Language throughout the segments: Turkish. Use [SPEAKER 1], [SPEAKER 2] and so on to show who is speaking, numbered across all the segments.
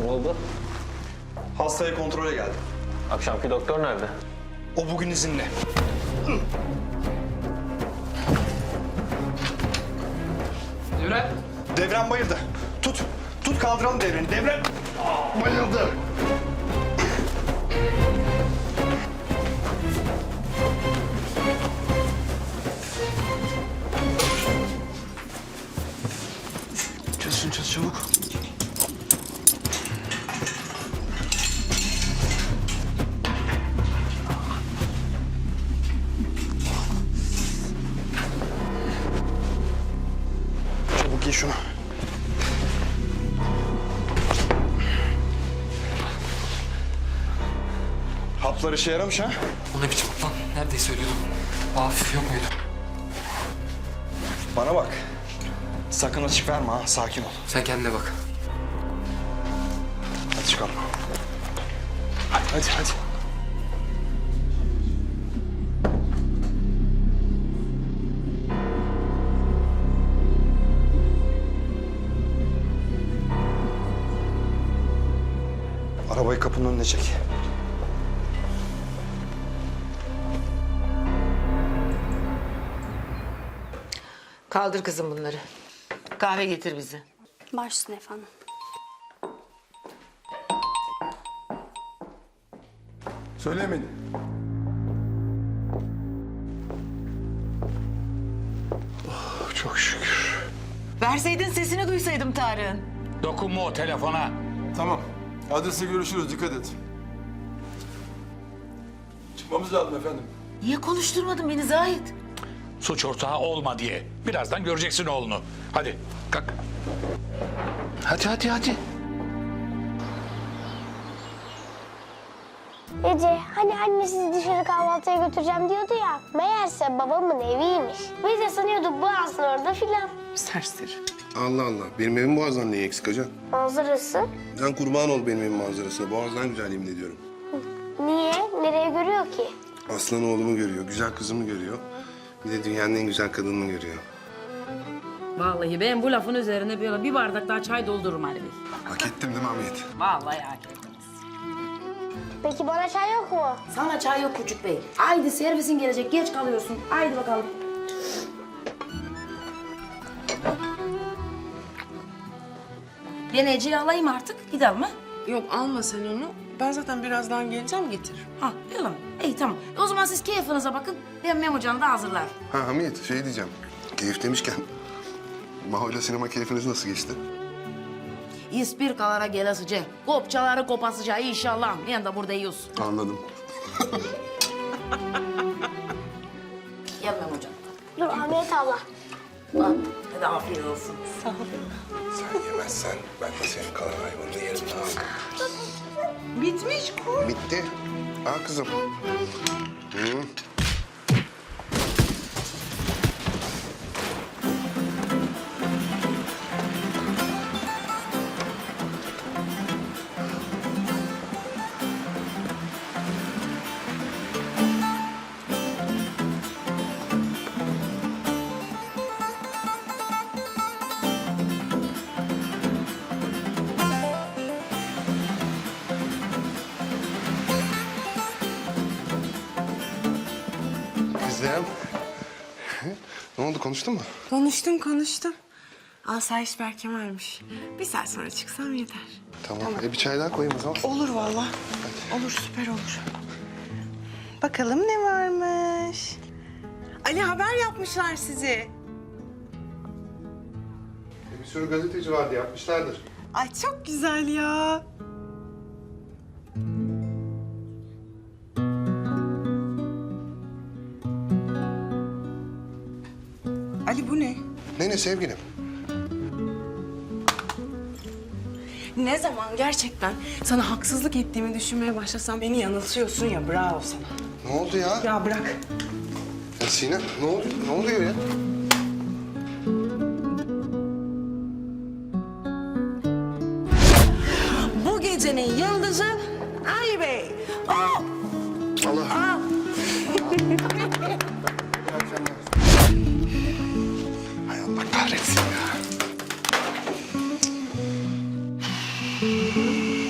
[SPEAKER 1] Ne oldu?
[SPEAKER 2] Hastaya kontrole geldim.
[SPEAKER 1] Akşamki doktor nerede?
[SPEAKER 2] O bugün izinli.
[SPEAKER 3] Devran.
[SPEAKER 2] Devrem bayıldı. Tut. Tut kaldıralım Devrem'i. Devrem bayıldı. Çöz çabuk. Çabuk giy şunu. Haplar işe yaramış ha?
[SPEAKER 3] O ne biçim lan? Neredeyse ölüyordum. Hafif yok muydu?
[SPEAKER 2] Bana bak. Sakın açık verme ha. Sakin ol.
[SPEAKER 3] Sen kendine bak.
[SPEAKER 2] Hadi çıkalım. Hadi. Arabayı kapının önüne çek.
[SPEAKER 4] Kaldır kızım bunları. Kahve getir bize.
[SPEAKER 5] Baş üstüne efendim.
[SPEAKER 6] Söylemeyin.
[SPEAKER 2] Oh, çok şükür.
[SPEAKER 4] Verseydin sesini duysaydım Tarık'ın.
[SPEAKER 7] Dokunma o telefona.
[SPEAKER 6] Tamam. Adrese görüşürüz. Dikkat et. Çıkmamız lazım efendim.
[SPEAKER 4] Niye konuşturmadın beni Zahit?
[SPEAKER 7] Suç ortağı olma diye. Birazdan göreceksin oğlunu. Hadi kalk. Hadi.
[SPEAKER 5] Ece, hani anne sizi dışarı kahvaltıya götüreceğim diyordu ya. Meğerse babamın eviymiş. Biz de sanıyorduk Boğaz'ın orada filan.
[SPEAKER 4] Serseri.
[SPEAKER 8] Allah Allah. Benim evim Boğaz'dan neyi eksik hocam?
[SPEAKER 5] Manzarası.
[SPEAKER 8] Sen kurban ol benim evim manzarasına. Boğaz'dan güzel yemin ediyorum.
[SPEAKER 5] Niye? Nereye görüyor ki?
[SPEAKER 8] Aslan oğlumu görüyor, güzel kızımı görüyor. Bir de dünyanın en güzel kadınını görüyor.
[SPEAKER 9] Vallahi ben bu lafın üzerine böyle bir bardak daha çay doldururum Ali Bey.
[SPEAKER 8] Hak ettim değil mi Hamiyet?
[SPEAKER 9] Vallahi hak ettiniz.
[SPEAKER 5] Peki bana çay yok mu?
[SPEAKER 9] Sana çay yok küçük bey. Haydi servisin gelecek, geç kalıyorsun. Haydi bakalım. Ben Ece'yi alayım artık, gidelim ha?
[SPEAKER 10] Yok alma sen onu. Ben zaten birazdan geleceğim getir.
[SPEAKER 9] Ha, öyle mi? İyi tamam. O zaman siz keyfinize bakın. Ben Memocan'ı da hazırlar.
[SPEAKER 8] Ha Hamiyet şey diyeceğim. Keyif demişken... Maho'yla sinema keyfiniz nasıl geçti?
[SPEAKER 9] İspirkalara gelesice, kopçaları kopasıca inşallah. Ben de burada yiyoruz.
[SPEAKER 8] Anladım.
[SPEAKER 9] Gel Memocan.
[SPEAKER 5] Dur Hamiyet abla.
[SPEAKER 9] Bak, hadi afiyet olsun.
[SPEAKER 8] Sen yemezsen ben de senin kalan hayvanını yerim.
[SPEAKER 10] Bitmiş kur.
[SPEAKER 8] Bitti. Al kızım. Hı. Kızım. Ne oldu konuştun mu?
[SPEAKER 10] Konuştum. Asayiş Berkemal'miş. Bir saat sonra çıksam yeter.
[SPEAKER 8] Tamam. Bir çay daha koyayım o zaman.
[SPEAKER 10] Olur vallahi. Olur süper olur. Bakalım ne varmış. Ali haber yapmışlar sizi.
[SPEAKER 8] Bir sürü gazeteci vardı yapmışlardır.
[SPEAKER 10] Ay çok güzel ya. Ali bu ne?
[SPEAKER 8] Ne sevgilim?
[SPEAKER 10] Ne zaman gerçekten sana haksızlık ettiğimi düşünmeye başlasam beni yanıltıyorsun ya bravo sana.
[SPEAKER 8] Ne oldu ya?
[SPEAKER 10] Ya bırak.
[SPEAKER 8] Ya Sinem ne oluyor? Ne oluyor ya?
[SPEAKER 9] Bu gecenin yıldızı Ali Bey. Oh!
[SPEAKER 8] Allah. Hay Allah kahretsin ya.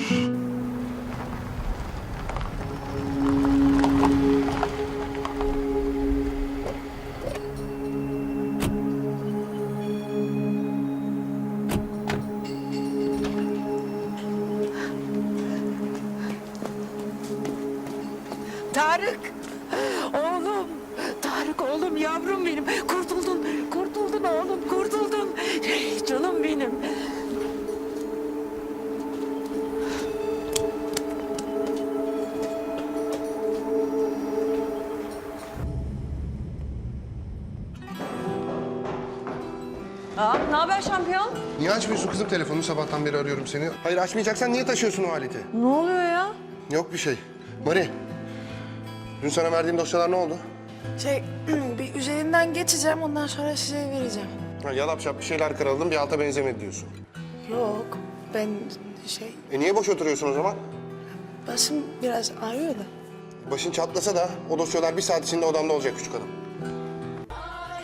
[SPEAKER 4] oğlum, yavrum benim. Kurtuldun, kurtuldun oğlum, kurtuldun. Canım benim.
[SPEAKER 10] Ne haber şampiyon?
[SPEAKER 8] Niye açmıyorsun kızım telefonunu? Sabahtan beri arıyorum seni. Hayır açmayacaksan niye taşıyorsun o aleti?
[SPEAKER 10] Ne oluyor ya?
[SPEAKER 8] Yok bir şey. Mari, dün sana verdiğim dosyalar ne oldu?
[SPEAKER 10] Bir üzerinden geçeceğim, ondan sonra size vereceğim.
[SPEAKER 8] Ha, yalap şap bir şeyler kırıldım, bir alta benzemedi diyorsun.
[SPEAKER 10] Yok, ben
[SPEAKER 8] Niye boş oturuyorsun o zaman?
[SPEAKER 10] başım biraz ağrıyor da.
[SPEAKER 8] Başın çatlasa da o dosyalar bir saat içinde odamda olacak küçük hanım.